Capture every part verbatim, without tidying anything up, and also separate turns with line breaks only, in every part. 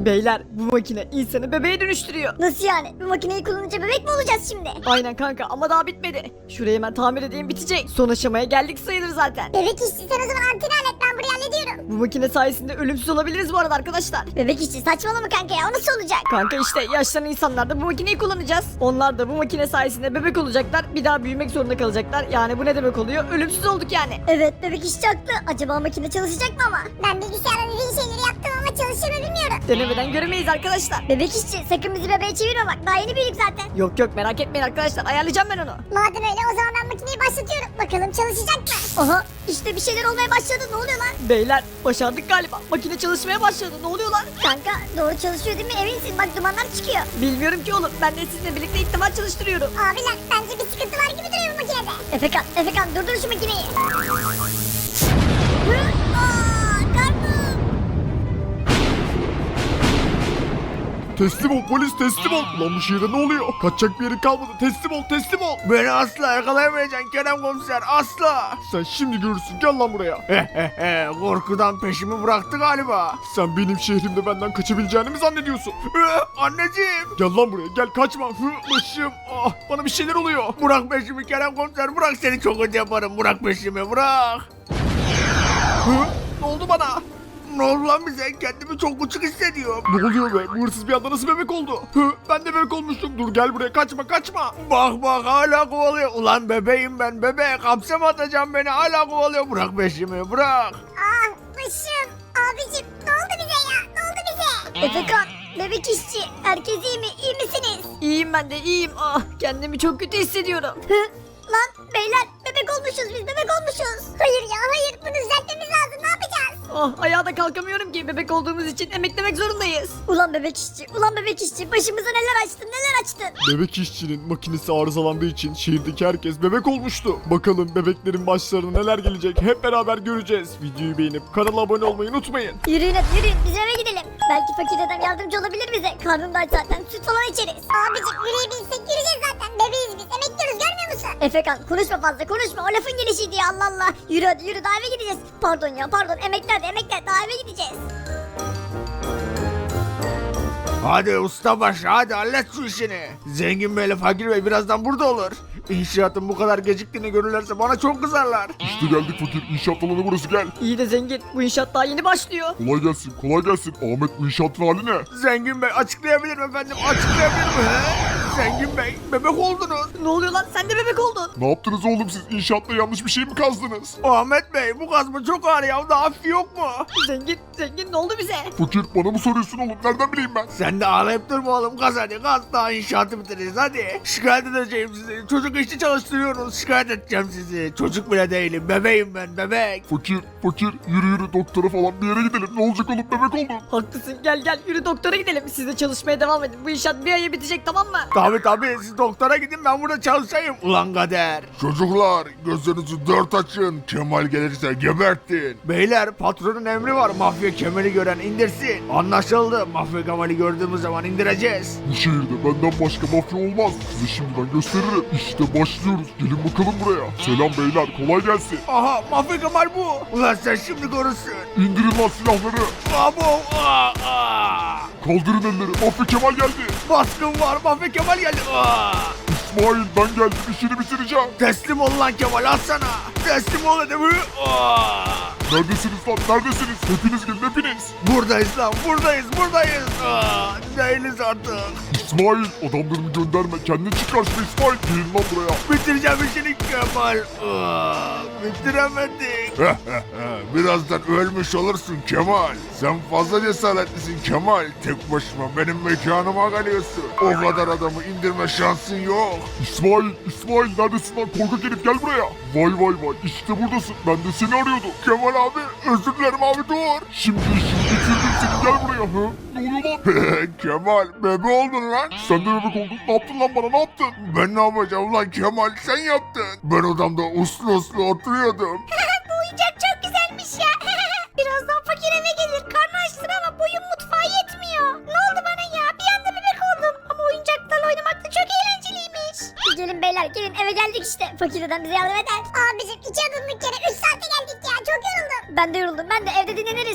Beyler bu makine insanı bebeğe dönüştürüyor.
Nasıl yani? Bu makineyi kullanınca bebek mi olacağız şimdi?
Aynen kanka ama daha bitmedi. Şurayı hemen tamir edeyim bitecek. Son aşamaya geldik sayılır zaten.
Bebek işçi sen o zaman anteni hallet ben burayı hallediyorum.
Bu makine sayesinde ölümsüz olabiliriz bu arada arkadaşlar.
Bebek işçi saçmalama kanka ya o nasıl olacak?
Kanka işte yaşlanan insanlar da bu makineyi kullanacağız. Onlar da bu makine sayesinde bebek olacaklar. Bir daha büyümek zorunda kalacaklar. Yani bu ne demek oluyor? Ölümsüz olduk yani.
Evet bebek işçi haklı. Acaba makine çalışacak mı ama? Ben bilgisayarda dediğin şeyleri yaptım ama çalışır mı bilmiyorum.
Denemeden göremeyiz arkadaşlar.
Bebek işçi sakın bizi bebeğe çevirme bak. Daha yeni büyüdük zaten.
Yok yok merak etmeyin arkadaşlar. Ayarlayacağım ben onu.
Madem öyle o zaman ben makineyi başlatıyorum. Bakalım çalışacak mı? Aha işte bir şeyler olmaya başladı. Ne oluyor lan?
Beyler başardık galiba. Makine çalışmaya başladı. Ne oluyor lan?
Kanka doğru çalışıyor değil mi? Eminsin bak dumanlar çıkıyor.
Bilmiyorum ki oğlum. Ben de sizinle birlikte ilk defa çalıştırıyorum.
Abiler bence bir sıkıntı var gibi duruyor bu makinede. Efekan, Efekan durdur şu makineyi. Hı? Aa, karnım.
Teslim ol polis teslim ol. Ulan bu şehirde ne oluyor? Kaçacak bir yerin kalmadı. Teslim ol teslim ol.
Beni asla yakalayamayacaksın Kerem komiser asla.
Sen şimdi görürsün gel lan buraya.
Hehehe korkudan peşimi bıraktı galiba.
Sen benim şehrimde benden kaçabileceğini mi zannediyorsun?
Ee, Anneciğim.
Gel lan buraya gel kaçma. Hı, başım. Ah, bana bir şeyler oluyor.
Bırak peşimi Kerem komiser bırak seni çok kötü yaparım bırak peşimi bırak.
Hı, ne oldu bana?
Ne oldu lan bize kendimi çok uçuk hissediyorum.
Ne oluyor be? Bu hırsız bir anda nasıl bebek oldu? Hı, ben de bebek olmuştum. Dur gel buraya kaçma kaçma.
Bak bak hala kovalıyor. Ulan bebeğim ben bebek hapse mi atacağım beni hala kovalıyor. Bırak peşimi bırak.
Ah başım. Abicim ne oldu bize ya? Ne oldu bize? Efekan, bebek işçi. Herkes iyi mi? İyi misiniz?
İyiyim ben de iyiyim. Ah kendimi çok kötü hissediyorum.
Hı? Lan beyler bebek olmuşuz biz bebek olmuşuz. Hayır ya hayır bunu düzeltmemiz lazım ne yapacağız?
Ah ayağa da kalkamıyorum ki. Bebek olduğumuz için emeklemek zorundayız.
Ulan bebek işçi ulan bebek işçi başımıza neler açtın neler açtın.
Bebek işçinin makinesi arızalandığı için şehirdeki herkes bebek olmuştu. Bakalım bebeklerin başlarına neler gelecek hep beraber göreceğiz. Videoyu beğenip kanala abone olmayı unutmayın.
Yürüyün hadi yürüyün biz eve gidelim. Belki fakir dedem yardımcı olabilir bize. Karnım da aç zaten süt falan içeriz. Abicim yürüyebilsek yürüyeceğiz zaten. Bebeğiz biz emekliyoruz görmüyor musun? Efekan konuşma fazla konuşma o lafın gelişiydi ya Allah Allah. Yürü hadi yürü daha eve gideceğiz. Pardon ya pardon emekler de emekler daha eve gideceğiz.
Hadi ustabaşı hadi hallet şu işini. Zengin beyle fakir bey birazdan burada olur. İnşaatın bu kadar geciktiğini görürlerse bana çok kızarlar.
İşte geldik fakir. İnşaat alanı burası gel.
İyi de zengin. Bu inşaat daha yeni başlıyor.
Kolay gelsin kolay gelsin. Ahmet bu inşaatın hali ne?
Zengin bey açıklayabilirim efendim açıklayabilirim. He? Zengin bey bebek oldunuz.
Ne oluyor lan? Sen de bebek oldun.
Ne yaptınız oğlum siz? İnşaatta yanlış bir şey mi kazdınız?
Ahmet bey bu kazma çok ağır ya daha hafif yok mu?
Zengin, zengin ne oldu bize?
Fakir bana mı soruyorsun oğlum? Nereden bileyim ben?
Sen de ağlayıp durma oğlum kaz hadi kaz daha inşaatı bitiririz hadi. Şikayet edeceğim sizi çocuk işçi çalıştırıyorsunuz şikayet edeceğim sizi. Çocuk bile değilim bebeğim ben bebek.
Fakir fakir yürü yürü doktora falan bir yere gidelim. Ne olacak oğlum bebek oldun.
Haklısın gel gel yürü doktora gidelim. Siz de çalışmaya devam edin. Bu inşaat bir aya bitecek tamam mı?
Tabi tabi siz doktora gidin ben burada çalışayım. Ulan kader.
Çocuklar gözlerinizi dört açın. Kemal gelirse gebertin.
Beyler patronun emri var mafya Kemal'i gören indirsin. Anlaşıldı mafya Kemal'i gördüğümüz zaman indireceğiz.
Bu şehirde benden başka mafya olmaz. Size şimdiden gösteririm. İşte başlıyoruz. Gelin bakalım buraya. Selam beyler kolay gelsin.
Aha mafya Kemal bu. Ulan sen şimdi görürsün.
İndirin lan silahları.
Abo aa, aa.
Kaldırın elleri. Mafya Kemal geldi.
Baskın var mafya Kemal geldi. Aa.
İsmail ben geldim. İşini bitireceğim.
Teslim ol lan Kemal al sana. Teslim ol dedim. Aa.
Neredesiniz lan? Neredesiniz? Hepiniz gelin hepiniz.
Buradayız lan buradayız buradayız. Aa. Değiliz artık.
İsmail adamlarımı gönderme. Kendin çık karşıma İsmail. Gelin lan buraya.
Bitireceğim işini Kemal. Aa. Bitiremedik. Birazdan ölmüş olursun Kemal. Sen fazla cesaretlisin Kemal. Tek başıma benim mekanıma geliyorsun. O kadar adamı indirme şansın yok.
İsmail, İsmail neredesin lan? Korkak herif gel buraya. Vay vay vay işte buradasın. Ben de seni arıyordum.
Kemal abi özür dilerim abi dur.
Şimdi işini bitirdim seni gel buraya. Hı? Ne oluyor lan?
Kemal bebe oldun lan.
Sen de bebek oldun. Ne yaptın lan bana ne yaptın?
Ben ne yapacağım lan Kemal sen yaptın. Ben odamda uslu uslu oturuyordum.
Bu oyuncak çok güzelmiş ya. Birazdan fakir eve gelir karnı açtır ama boyun mutfağa yetmiyor. Ne oldu bana ya bir anda bebek oldum. Ama oyuncaklarla oynamak da çok eğlenceliymiş. Gelin beyler gelin eve geldik işte. Fakir dedem bize yardım eder. Abicim iki adımlık yere üç saate geldik ya çok yoruldum. Ben de yoruldum ben de evde dinleniriz süt falan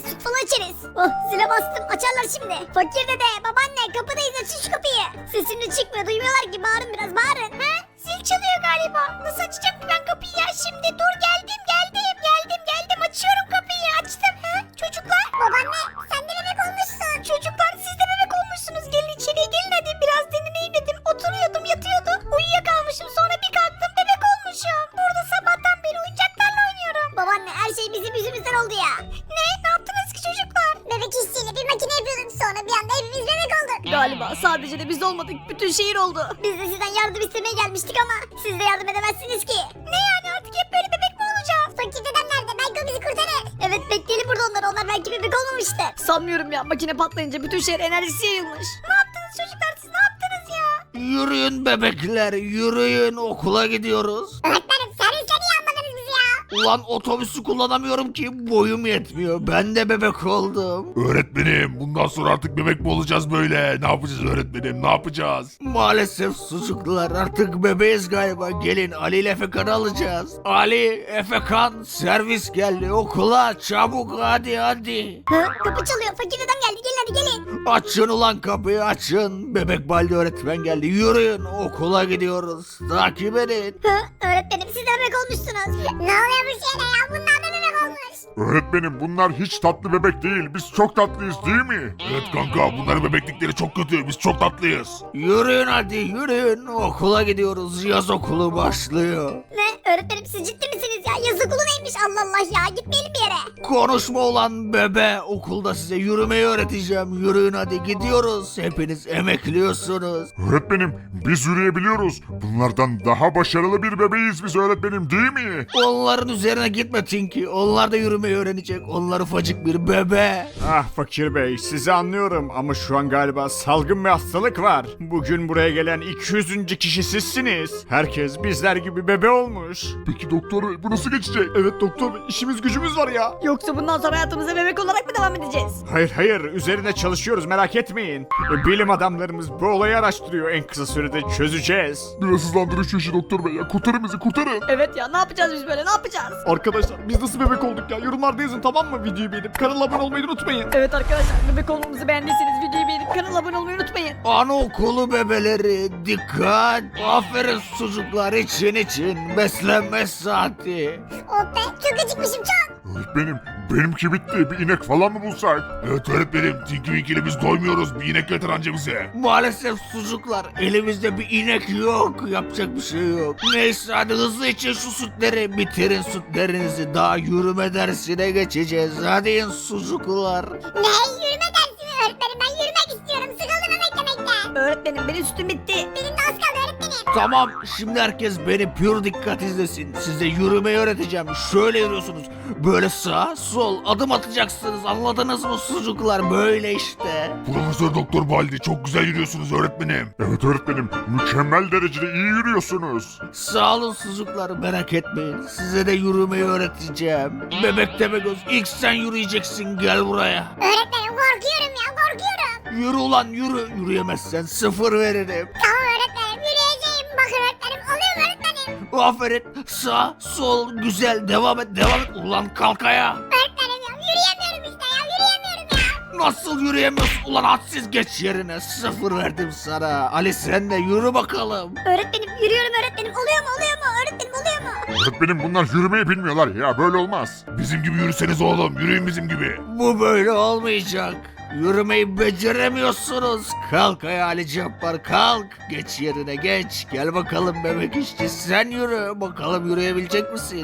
açarız. Oh zile bastım açarlar şimdi. Fakir dede babaanne kapıdayız açın şu kapıyı. Sesim de çıkmıyor duymuyorlar ki bağırın biraz bağırın. He? Zil çalıyor galiba. Nasıl açacağım ki ben kapıyı ya şimdi? Dur geldim geldim geldim geldim açıyorum kapıyı açtım. He? Çocuklar. Babaanne sen de bebek olmuşsun. Çocuklar siz de bebek olmuşsunuz. Gelin içeriye gelin hadi biraz dinleneyim dedim. Oturuyordum yatıyordum. Uyuyakalmışım sonra bir kalktım bebek olmuşum. Burada sabahtan beri oyuncaklarla oynuyorum. Babaanne her şey bizim yüzümüzden oldu ya. Ne? Ne yaptınız ki çocuklar? Bebek işçiyle bir makine yapıyorduk sonra bir anda hepimiz bebek olduk.
Galiba sadece de biz olmadık. Bütün şehir oldu.
Biz de sizden yardım istemeye gelmiştik ama siz de yardım edemezsiniz ki. Ne yani artık hep böyle bebek mi olacağız? Fakir dedem nerede? Belki o bizi kurtarır. Evet bekleyelim burada onlar. Onlar belki bebek olmamıştır.
Sanmıyorum ya, makine patlayınca bütün şehir enerjisi yayılmış.
Ne yaptınız çocuklar siz ne yaptınız ya?
Yürüyün bebekler, yürüyün, okula gidiyoruz.
Öğretmenim servisle niye almadınız bizi ya?
Ulan otobüsü kullanamıyorum ki, boyum yetmiyor. Ben de bebek oldum.
Öğretmenim bundan sonra artık bebek mi olacağız böyle? Ne yapacağız öğretmenim ne yapacağız?
Maalesef sucuklar, artık bebeğiz galiba. Gelin Ali ile Efekan'ı alacağız. Ali, Efekan, servis geldi okula, çabuk hadi hadi.
Hı? Kapı çalıyor fakir dedem geldi gelin hadi gelin.
Açın ulan kapıyı açın. Bebek Baldi öğretmen geldi. Yürüyün, okula gidiyoruz. Takip edin.
Hı? Öğretmenim siz de bebek olmuşsunuz. Ne oluyor bu şeyde ya bunlar da bebek olmuş.
Öğretmenim bunlar hiç tatlı bebek değil. Biz çok tatlıyız değil mi? Evet kanka bunların bebeklikleri çok kötü. Biz çok tatlıyız.
Yürüyün hadi yürüyün. Okula gidiyoruz. Yaz okulu başlıyor.
Ne? Öğretmenim siz ciddi misiniz ya? Yaz okulu neymiş Allah Allah ya gitmeyelim bir yere.
Konuşma ulan bebe. Okulda size yürümeyi öğreteceğim. Yürüyün hadi gidiyoruz. Hepiniz emekliyorsunuz.
Öğretmenim biz yürüyebiliyoruz. Bunlardan daha başarılı bir bebeğiz biz öğretmenim değil mi?
Onların üzerine gitme Tinky. Onlar da yürümeyi öğrenecek. Onlar ufacık bir bebe.
Ah Fakir Bey, sizi anlıyorum ama şu an galiba salgın bir hastalık var. Bugün buraya gelen iki yüzüncü kişi sizsiniz. Herkes bizler gibi bebe olmuş.
Peki doktor bey bu nasıl geçecek?
Evet doktor bey, işimiz gücümüz var ya.
Yoksa bundan sonra hayatımıza bebek olarak mı devam edeceğiz?
Hayır hayır, üzerine çalışıyoruz, merak etmeyin. E, Bilim adamlarımız bu olayı araştırıyor, en kısa sürede çözeceğiz.
Biraz hızlandırın şu işi doktor bey ya. Kurtarın bizi kurtarın.
Evet ya, ne yapacağız biz böyle, ne yapacağız?
Arkadaşlar biz nasıl bebek olduk ya, yorumlarda yazın tamam mı? Videoyu beğenip kanala abone olmayı unutmayın.
Evet arkadaşlar, bebek olmamızı beğendiyseniz videoyu beğenip kanala abone olmayı unutmayın.
Anaokulu bebeleri dikkat. Aferin çocuklar, için için. Beslenme saati.
Oh be çok acıkmışım çok.
Öğretmenim benimki bitti. Bir inek falan mı bulsak? Evet öğretmenim. Tinky Winky'le biz doymuyoruz. Bir inek getir anca bize.
Maalesef çocuklar, elimizde bir inek yok. Yapacak bir şey yok. Neyse hadi hızlı için şu sütleri. Bitirin sütlerinizi. Daha yürüme dersine geçeceğiz. Hadi in çocuklar.
Ne yürüme dersi mi öğretmenim ben yürümek istiyorum sıkıldım emeklemekte.
Öğretmenim benim sütüm bitti.
Benim de az kaldı öğretmenim.
Tamam, şimdi herkes beni pür dikkat izlesin. Size yürümeyi öğreteceğim. Şöyle yürüyorsunuz. Böyle sağ, sol adım atacaksınız. Anladınız mı çocuklar? Böyle işte.
Profesör Doktor Baldi çok güzel yürüyorsunuz öğretmenim. Evet öğretmenim. Mükemmel derecede iyi yürüyorsunuz.
Sağ olun çocuklar, merak etmeyin. Size de yürümeyi öğreteceğim. Bebek Tepegöz, ilk sen yürüyeceksin, gel buraya.
Öğretmenim korkuyorum ya korkuyorum.
Yürü ulan yürü. Yürüyemezsen sıfır veririm.
Tamam öğretmenim yürüyeceğim. Bakın öğretmenim alıyorum öğretmenim.
Aferin. Sağ, sol, güzel. Devam et, devam et. Ulan kalk ayağa.
Öğretmenim ya yürüyemiyorum işte ya yürüyemiyorum ya.
Nasıl yürüyemiyorsun? Ulan hadsiz, geç yerine. Sıfır verdim sana. Ali sen de yürü bakalım.
Öğretmenim yürüyorum öğretmenim oluyor mu oluyor mu öğretmenim oluyor mu?
Öğretmenim bunlar yürümeyi bilmiyorlar ya böyle olmaz. Bizim gibi yürüseniz oğlum yürüyün bizim gibi.
Bu böyle olmayacak. Yürümeyi beceremiyorsunuz. Kalk ayağa Ali Cabbar, kalk. Geç yerine geç. Gel bakalım bebek işçi, sen yürü. Bakalım yürüyebilecek misin?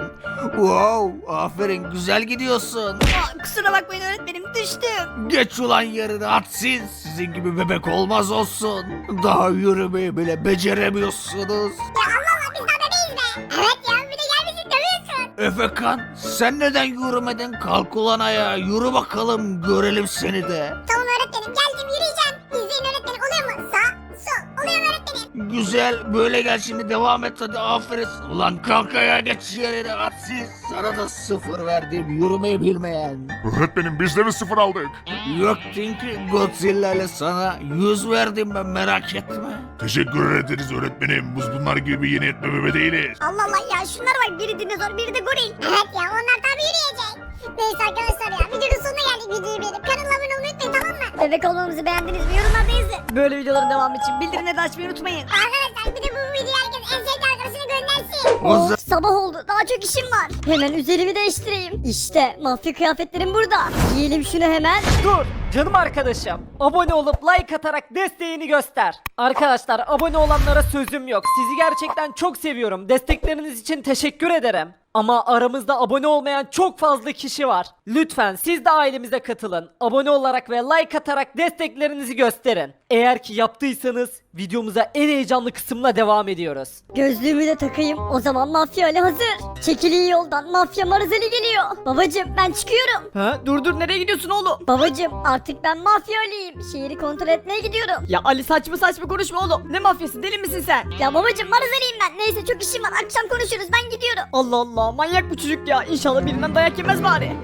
Wow, aferin, güzel gidiyorsun.
Aa, kusura bakmayın öğretmenim, düştüm.
Geç ulan yerine hadsiz. Sizin gibi bebek olmaz olsun. Daha yürümeyi bile beceremiyorsunuz.
Ya Allah Allah biz daha bebeğiz be. Evet ya bir de gelmişsin dövüyorsun.
Efekan, sen neden yürümedin? Kalk ulan ayağa, yürü bakalım, görelim seni de.
Tamam öğretmenim geldim yürüyeceğim. İzleyin öğretmenim oluyor mu? Sağ sol oluyor mu öğretmenim?
Güzel, böyle gel şimdi, devam et hadi, aferin. Ulan kalk ayağa, geç yerine hadsiz. Sana da sıfır verdim, yürümeyi bilmeyen.
Öğretmenim biz de mi sıfır aldık?
Yok Tinky, Godzilla ile sana yüz verdim ben, merak etme.
Teşekkür ederiz öğretmenim. Biz bunlar gibi yeni etme bebe değiliz.
Allah Allah ya şunlara bak biri dinozor biri de goril. Evet ya onlar tabi yürüyecek. Neyse arkadaşlar ya videonun sonuna geldik. Videoyu beğenip kanala abone olmayı unutmayın, tamam mı? Bebek olmamızı beğendiniz mi? Yorumlarda yazın.
Böyle videoların devamı için bildirimleri de açmayı unutmayın.
Arkadaşlar bir de bu videoyu herkes en sevdiği arkadaşına göndersin.
O za-
Sabah oldu, daha çok işim var. Hemen üzerimi değiştireyim. İşte mafya kıyafetlerim burada. Giyelim şunu hemen.
Dur canım arkadaşım. Abone olup like atarak desteğini göster. Arkadaşlar abone olanlara sözüm yok. Sizi gerçekten çok seviyorum. Destekleriniz için teşekkür ederim. Ama aramızda abone olmayan çok fazla kişi var. Lütfen siz de ailemize katılın. Abone olarak ve like atarak desteklerinizi gösterin. Eğer ki yaptıysanız videomuza en heyecanlı kısımla devam ediyoruz.
Gözlüğümü de takayım. O zaman Mafya Ali hazır. Çekiliği yoldan Mafya Marazeli geliyor. Babacım ben çıkıyorum.
Ha, dur dur nereye gidiyorsun oğlum?
Babacım artık ben Mafya Ali'yim. Şehri kontrol etmeye gidiyorum.
Ya Ali saçma saçma konuşma oğlum. Ne mafyası, deli misin sen?
Ya babacım Marazeli'yim ben. Neyse çok işim var. Akşam konuşuruz, ben gidiyorum.
Allah Allah, manyak bu çocuk ya. İnşallah birinden dayak yemez bari.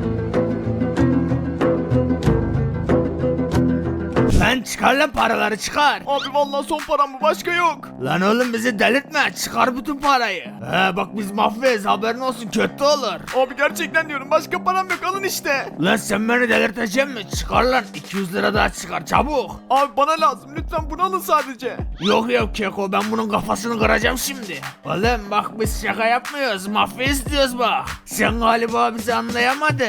Lan çıkar lan paraları çıkar.
Abi vallahi son param bu, başka yok.
Lan oğlum bizi delirtme, çıkar bütün parayı. He bak biz mafyayız, haberin olsun, kötü olur.
Abi gerçekten diyorum, başka param yok, alın işte.
Lan sen beni delirteceksin mi? Çıkar lan, iki yüz lira daha çıkar çabuk.
Abi bana lazım, lütfen bunu alın sadece.
Yok yok Keko, ben bunun kafasını kıracağım şimdi. Oğlum bak biz şaka yapmıyoruz, mafya istiyoruz bak. Sen galiba bizi anlayamadın.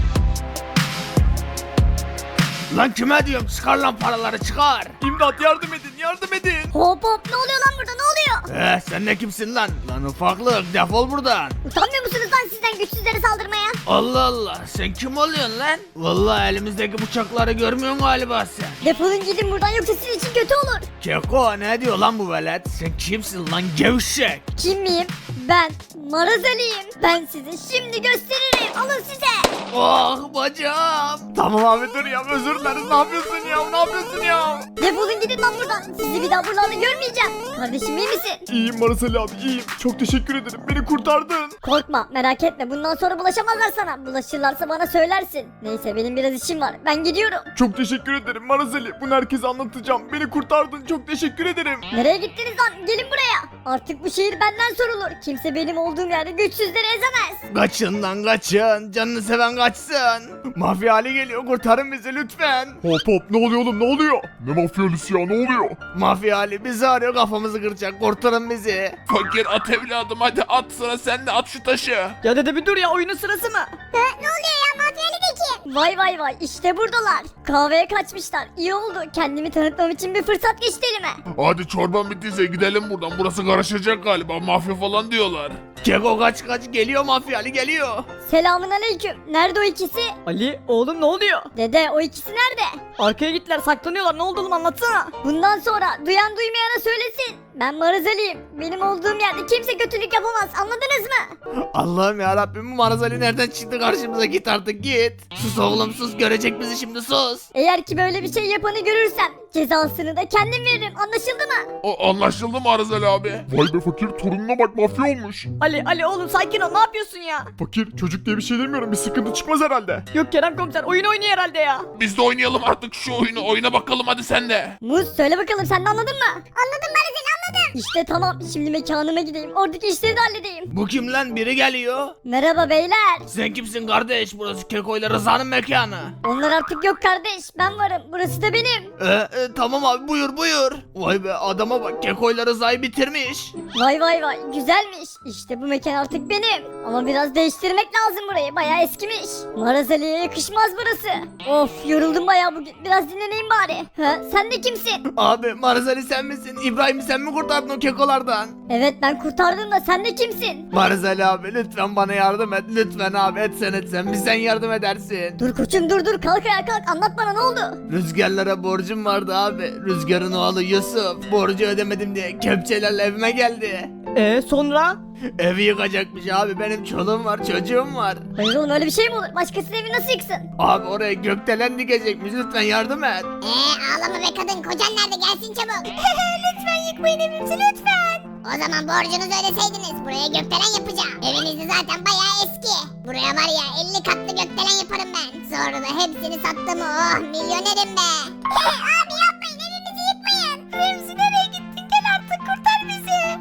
Lan kime diyorum, çıkar lan paraları çıkar.
İmdat, yardım edin, yardım edin.
Hop hop, ne oluyor lan burada, ne oluyor?
Eh sen ne kimsin lan? Lan ufaklık, defol buradan.
Utanmıyor musunuz lan sizden güçsüzlere saldırmaya?
Allah Allah, sen kim oluyorsun lan? Vallahi elimizdeki bıçakları görmüyorsun galiba sen.
Defolun gidin buradan, yoksa sizin için kötü olur.
Keko ne diyor lan bu velet? Sen kimsin lan gevşek?
Kim miyim? Ben Marazeli'yim. Ben size şimdi gösteririm. Alın size.
Oh bacağım.
Tamam abi dur ya, özür dileriz, ne yapıyorsun ya, ne yapıyorsun ya?
Defolun gidin lan buradan. Sizi bir daha buralarda görmeyeceğim. Kardeşim iyi misin?
İyiyim Maraseli abi, iyiyim. Çok teşekkür ederim, beni kurtardın.
Korkma, merak etme. Bundan sonra bulaşamazlar sana. Bulaşırlarsa bana söylersin. Neyse benim biraz işim var. Ben gidiyorum.
Çok teşekkür ederim Maraseli, bunu herkese anlatacağım. Beni kurtardın, çok teşekkür ederim.
Nereye gittiniz lan? Gelin buraya. Artık bu şehir benden sorulur. Kimse benim olduğum yerde güçsüzleri ezemez.
Kaçın lan kaçın. Canını seven kaçsın. Mafya hali geliyor, kurtarın bizi lütfen.
Hop hop, ne oluyor oğlum, ne oluyor? Ne mafyalisi ya, ne oluyor?
Mafya hali bizi arıyor, kafamızı kıracak, kurtarın bizi.
Fakir at evladım, hadi at, sıra sende, at şu taşı.
Ya dede bir dur ya, oyunun sırası mı?
Ha, ne oluyor ya mafyalideki? Vay vay vay, işte buradalar. Kahveye kaçmışlar. İyi oldu. Kendimi tanıtmam için bir fırsat geçti elime.
Hadi çorban bittiyse gidelim buradan, burası karışacak galiba, mafya falan diyorlar.
Keko kaç kaç, geliyor mafya hali geliyor.
Selamun aleyküm. Nerede o ikisi?
Ali oğlum ne oluyor?
Dede o ikisi nerede?
Arkaya gittiler, saklanıyorlar, ne oldu oğlum, anlatsana.
Bundan sonra duyan duymayana söylesin. Ben Marazeli'yim. Benim olduğum yerde kimse kötülük yapamaz. Anladınız mı?
Allah'ım ya Rabbim, bu Marazali nereden çıktı karşımıza, git artık git. Sus oğlum sus, görecek bizi şimdi, sus.
Eğer ki böyle bir şey yapanı görürsem cezasını da kendim veririm. Anlaşıldı mı?
O, anlaşıldı mı Arzal abi? Vay be fakir, torununa bak, mafya olmuş.
Ali Ali oğlum sakin ol, ne yapıyorsun ya?
Fakir, çocuk diye bir şey demiyorum, bir sıkıntı çıkmaz herhalde.
Yok Kerem komiser, oyun oynuyor herhalde ya.
Biz de oynayalım artık şu oyunu, oyuna bakalım hadi sen de.
Muz söyle bakalım, sen de anladın mı? Anladım Marazeli, anladım. İşte tamam, şimdi mekanıma gideyim. Oradaki işleri de halledeyim.
Bu kim lan, biri geliyor.
Merhaba beyler.
Sen kimsin kardeş, burası Keko ile Rıza'nın mekanı.
Onlar artık yok kardeş. Ben varım. Burası da benim.
Ee, e, tamam abi, buyur buyur. Vay be, adama bak, Keko ile Rıza'yı bitirmiş.
Vay vay vay. Güzelmiş. İşte bu mekan artık benim. Ama biraz değiştirmek lazım burayı. Bayağı eskimiş. Marazeli'ye yakışmaz burası. Of, yoruldum bayağı bugün. Biraz dinleneyim bari. Ha, sen de kimsin?
Abi Marazali sen misin? İbrahim sen mi kurtardın o kekolardan?
Evet, ben kurtardım da sen de kimsin?
Marazali abi lütfen bana yardım et. Lütfen abi, etsen etsen bizden yardım edersin.
Dur koçum, dur dur. Kalk ayağa kalk. Anlat bana, ne oldu?
Rüzgarlara borcum vardı abi. Rüzgarın oğlu Yusuf borcu ödemedim diye kepçelerle evime geldi.
Ee sonra?
Evi yıkacakmış abi, benim çoluğum var çocuğum var.
Hayır oğlum, öyle bir şey mi olur? Başkasının evi nasıl yıksın?
Abi oraya gökdelen dikecekmiş, lütfen yardım et.
Eee ağlama be kadın. Kocan nerede? Gelsin çabuk. Lütfen yıkmayın evimizi, lütfen. O zaman borcunuzu ödeseydiniz. Buraya gökdelen yapacağım. Eviniz de zaten bayağı eski. Buraya var ya elli katlı gökdelen yaparım ben. Sonra da hepsini sattım. Oh, milyonerim be. Abi yapmayın, evimizi yıkmayın. Remzi nereye gittin? Gel artık, kurtar bizi. Korumalar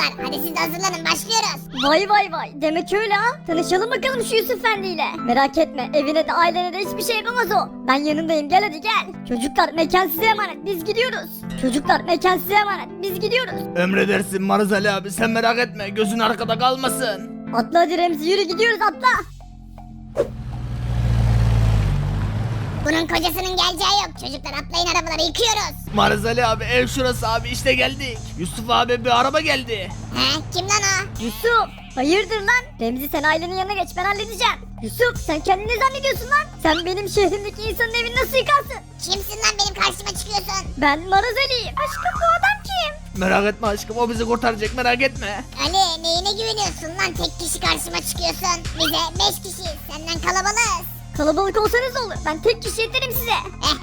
buradalar. Hadi siz de hazırlanın başlıyoruz.
Vay vay vay demek öyle ha. Tanışalım bakalım şu Yusuf Efendi ile. Merak etme evine de ailene de hiçbir şey yapamaz o. Ben yanındayım gel hadi gel. Çocuklar mekan size emanet biz gidiyoruz. Çocuklar mekan size emanet biz gidiyoruz.
Emredersin Marzali abi sen merak etme gözün arkada kalmasın.
Atla hadi Remzi yürü gidiyoruz atla.
Bunun kocasının geleceği yok. Çocuklar atlayın arabaları yıkıyoruz.
Marzali abi ev şurası abi işte geldik. Yusuf abi bir araba geldi.
He kim lan o?
Yusuf hayırdır lan? Remzi sen ailenin yanına geç ben halledeceğim. Yusuf sen kendini ne zannediyorsun lan? Sen benim şehrimdeki insanın evini nasıl yıkarsın?
Kimsin lan benim karşıma çıkıyorsun?
Ben Maraz Ali'yim. Aşkım bu adam kim?
Merak etme aşkım o bizi kurtaracak merak etme.
Ali neyine güveniyorsun lan tek kişi karşıma çıkıyorsun. Bize beş kişiyiz senden kalabalığız.
Kalabalık olsanız olur. Ben tek kişi yeterim size.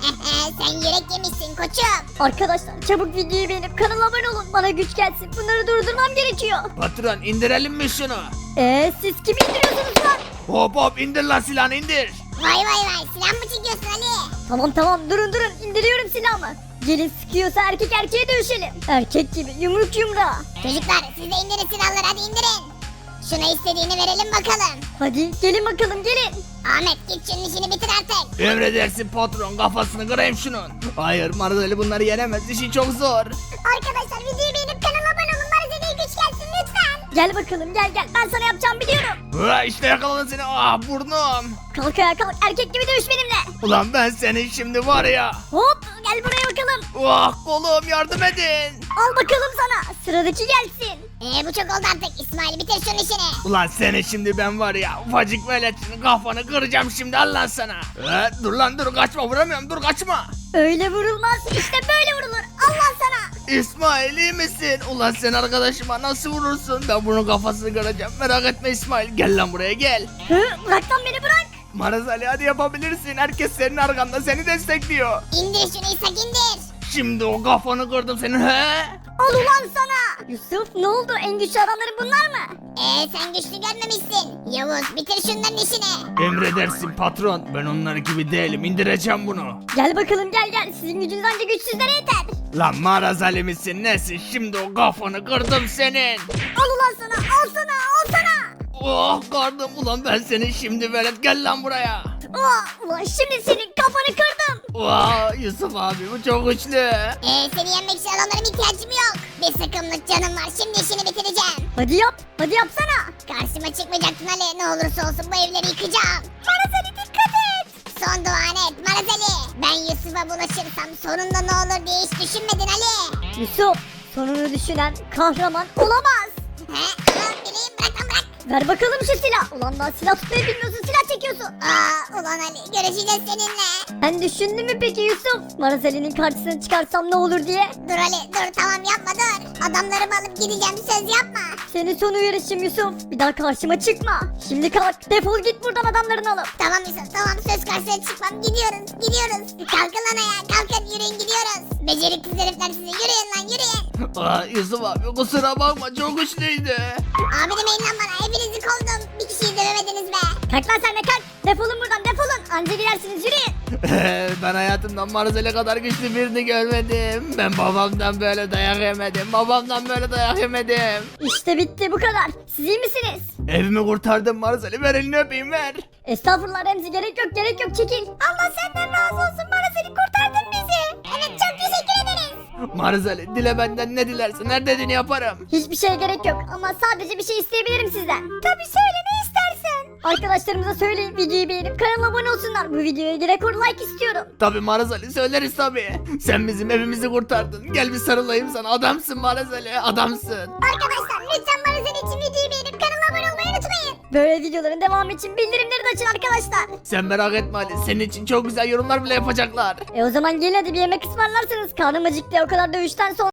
Sen yürek yemişsin koçum.
Arkadaşlar çabuk videoyu beğenip kanala abone olun. Bana güç gelsin. Bunları durdurmam gerekiyor.
Patron indirelim mi şunu?
Eee siz kimi indiriyorsunuz lan?
Hop hop indir lan silahını indir.
Vay vay vay silah mı çekiyorsun Ali?
Tamam tamam durun durun indiriyorum silahımı. Gelin sıkıyorsa erkek erkeğe dövüşelim. Erkek gibi yumruk yumruğa.
Çocuklar siz de indirin silahları hadi indirin. Şuna istediğini verelim bakalım.
Hadi gelin bakalım gelin.
Ahmet git şunun işini bitir artık.
Emredersin patron kafasını kırayım şunun. Hayır Marzali bunları yenemez işi çok zor.
Arkadaşlar videoyu beğenip kanala abone olun. Bana size güç gelsin lütfen.
Gel bakalım gel gel ben sana yapacağım biliyorum.
Ha, işte yakaladım seni ah burnum.
Kalk ayağa kalk erkek gibi dövüş benimle.
Ulan ben senin şimdi var ya.
Hop gel buraya bakalım.
Ah kolum yardım edin.
Al bakalım sana sıradaki gelsin.
Ee bu çok oldu artık. İsmail bitir şunun işini.
Ulan seni şimdi ben var ya ufacık veletini kafanı kıracağım şimdi al lan sana. Ha, dur lan dur kaçma vuramıyorum dur kaçma.
Öyle vurulmaz işte böyle vurulur. Allah sana.
İsmail iyi misin? Ulan sen arkadaşıma nasıl vurursun? Ben bunun kafasını kıracağım merak etme İsmail gel lan buraya gel.
Hı, bırak lan beni bırak.
Maraz Ali hadi yapabilirsin herkes senin arkanda seni destekliyor.
İndir şunu İshak indir.
Şimdi o kafanı kırdım senin he?
Al ulan sana. Yusuf ne oldu en güçlü adamların bunlar mı?
Ee sen güçlü görmemişsin. Yavuz bitir şunların işini.
Emredersin patron ben onlar gibi değilim indireceğim bunu.
Gel bakalım gel gel sizin gücünüz ancak güçsüzlere yeter.
Lan Maraz Ali misin nesin şimdi o kafanı kırdım senin.
Al ulan sana al sana al sana.
Oh kardım ulan ben senin şimdi velet gel lan buraya.
Aa, ulan şimdi senin kafanı kırdım.
Vaa Yusuf abi bu çok güçlü.
Ee seni yenmek için adamlarım ihtiyacım yok. Bir sıkımlık canım var şimdi işini bitireceğim.
Hadi yap hadi yapsana.
Karşıma çıkmayacaksın Ali. Ne olursa olsun bu evleri yıkacağım. Marazeli dikkat et. Son duan et Marazeli. Ben Yusuf'a bulaşırsam sonunda ne olur diye hiç düşünmedin Ali.
Yusuf sonunu düşünen kahraman olamaz.
He? Aa, bileyim bırak lan bırak.
Ver bakalım şu silah. Ulan daha silah tutmayı bilmiyorsun silah çekiyorsun.
Aa ulan Ali görüşeceğiz seninle.
Sen düşündün mü peki Yusuf? Marazeli'nin karşısına çıkarsam ne olur diye?
Dur Ali dur tamam yapma dur. Adamlarımı alıp gideceğim söz yapma.
Senin son uyarışım Yusuf. Bir daha karşıma çıkma. Şimdi kalk defol git buradan adamlarını alıp.
Tamam Yusuf tamam söz karşısına çıkmam gidiyoruz gidiyoruz. Kalkın lan ayağa kalkın yürüyün gidiyoruz. Beceriksiz herifler sizi yürüyün lan yürüyün.
Aa, Yusuf abi kusura bakma çok güçlüydü.
Abi demeyin lan bana hepinizi kovdum. Bir kişiyi dövemediniz be.
Kalk lan sen de kalk. Defolun buradan defolun. Anca gidersiniz yürüyün.
Ben hayatımdan Marzali kadar güçlü birini görmedim. Ben babamdan böyle dayak yemedim. Babamdan böyle dayak yemedim.
İşte bitti bu kadar. Siz iyi misiniz?
Evimi kurtardım Marzali ver elini öpeyim ver.
Estağfurullah Remzi gerek yok gerek yok çekil. Allah senden razı olsun bana seni kurtardın bizi.
Evet çok teşekkür ederiz.
Marzali dile benden ne dilersin her dediğini yaparım.
Hiçbir şeye gerek yok ama sadece bir şey isteyebilirim sizden. Tabii söyle ne istersen. Arkadaşlarımıza söyleyin videoyu beğenip kanala abone olsunlar. Bu videoya bir rekor like istiyorum.
Tabi Marzali söyleriz tabi. Sen bizim evimizi kurtardın. Gel bir sarılayım sana adamsın Marzali adamsın.
Arkadaşlar lütfen bana senin için videoyu beğenip kanala abone olmayı unutmayın.
Böyle videoların devamı için bildirimleri de açın arkadaşlar.
Sen merak etme Ali senin için çok güzel yorumlar bile yapacaklar.
E o zaman gelin hadi bir yemek ısmarlarsınız. Karnım acıktı o kadar dövüşten sonra.